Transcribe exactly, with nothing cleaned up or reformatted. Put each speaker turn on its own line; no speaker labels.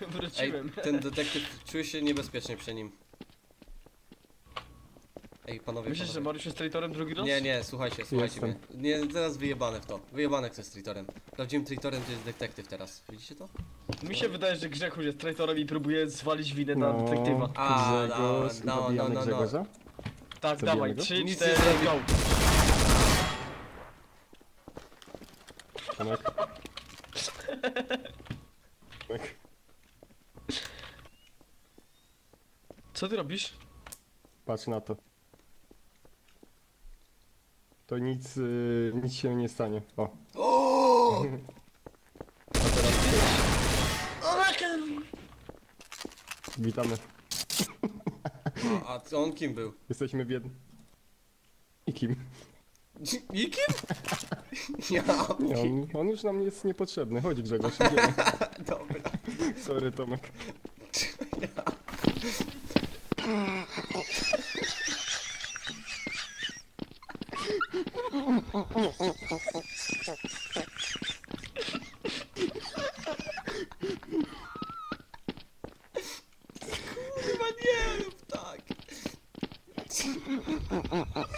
Ej,
Wróciłem.
ten detektyw czuje się niebezpiecznie przy nim. Ej, panowie,
Myślisz, że
panowie.
Mariusz jest traitorem drugi raz?
Nie, nie, słuchajcie, słuchajcie
Jestem.
mnie. Nie, teraz wyjebane w to. Wyjebane kto jest traitorem. Prawdziwym traitorem to jest detektyw teraz. Widzicie to?
Mi się wydaje, że Grzechu jest traitorem i próbuje zwalić winę na
No,
detektywa.
A,
Grzegorz,
no, no,
zabijamy
no, no.
Grzegorza?
Tak,
Zabijamy
dawaj,
go?
trzy,
Nic
cztery,
nie zrobi.
go!
Tomek. Tomek.
Co ty robisz?
Patrz na to. To nic, y, nic się nie stanie. O.
O!
A teraz witamy.
A, a on kim był?
Jesteśmy w jednym. I kim?
Nikim? Ja.
Nie, on, on już nam jest niepotrzebny. Chodź Grzegorz, idziemy.
Dobra.
Sorry Tomek.
Chyba nie rób tak.